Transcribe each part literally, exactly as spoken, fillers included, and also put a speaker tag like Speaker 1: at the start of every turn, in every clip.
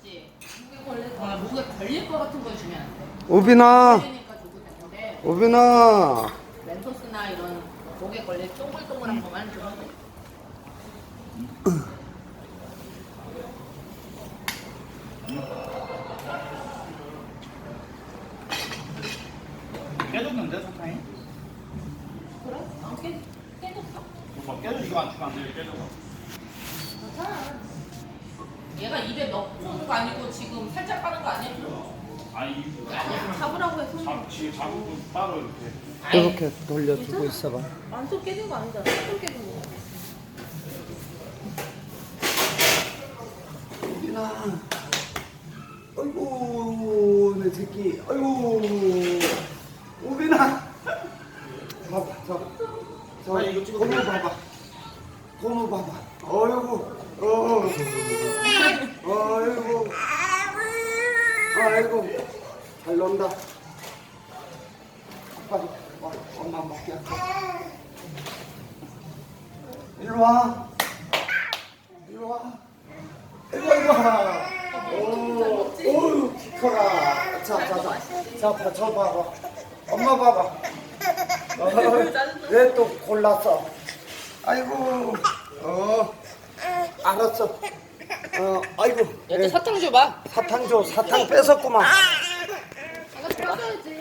Speaker 1: 맞지? 목에 걸릴 거. 아, 목에 걸릴 거 같은 거 주면 안 돼.
Speaker 2: 우빈아,
Speaker 1: 걸리니까 줘도 되는데
Speaker 2: 우빈아.
Speaker 1: 멘토스나 이런 목에 걸릴 동글동글한 거만 주면 돼.
Speaker 3: 깨졌는데 사탕이?
Speaker 1: 그래? 안 깨, 깨졌어?
Speaker 3: 뭐 깨져 이거 안 주면 안 돼. 깨져서.
Speaker 1: 괜찮아. 얘가 입에 넣는 거 아니고 지금 살짝 빠는 거 아니야?
Speaker 3: 아니
Speaker 1: 아니야. 잡으라고 해서.
Speaker 3: 잡 지금 잡고 따로 이렇게.
Speaker 2: 이렇게 돌려주고 있어봐.
Speaker 1: 완전 깨진 거 아니잖아. 조금 깨진 거.
Speaker 2: 우빈아. 아이고, 내 새끼. 아이고. 우빈아. 봐봐, 저. 저,
Speaker 3: 아니, 이거 찍어.
Speaker 2: 고무 봐봐. 고무 봐봐. 어이구. 어. 아이고. 아이고. 잘 논다. 아빠, 와, 엄마 먹게 할게. 일로 와. 일로 와. 일로 와, 일로 와. 오, 오유, 커라. 자, 자, 자. 자, 봐, 저 봐봐. 엄마 봐봐. 어, 왜 또 골랐어? 아이고, 어, 알았어. 어, 아이고.
Speaker 1: 얘도
Speaker 2: 예,
Speaker 1: 사탕 줘봐.
Speaker 2: 사탕 줘, 사탕 뺏었구만.
Speaker 1: 이거 뺏어야지.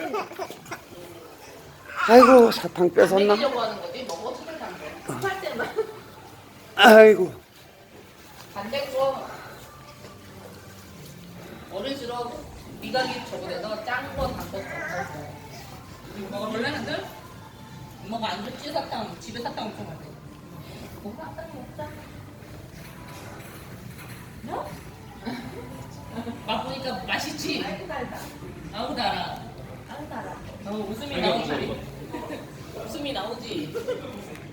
Speaker 2: 아이고, 사탕 뺏었나?
Speaker 1: 먹이려고 하는 거지. 먹어 치를 안 돼. 급할 때만.
Speaker 2: 아이고.
Speaker 1: 반대거 어른스러워. 미각이 저거에서 짠거 단거 섞어서. 이거 먹어볼래 한들? 엄마가 안 줬지 사탕. 집에 사탕 엄청 많대. 먹어 사탕 먹자. 너? 맛보니까 맛있지? 아이고 달다. 아우 달아. 아우 달아. 어, 웃음이 나오지. 웃음이 나오지.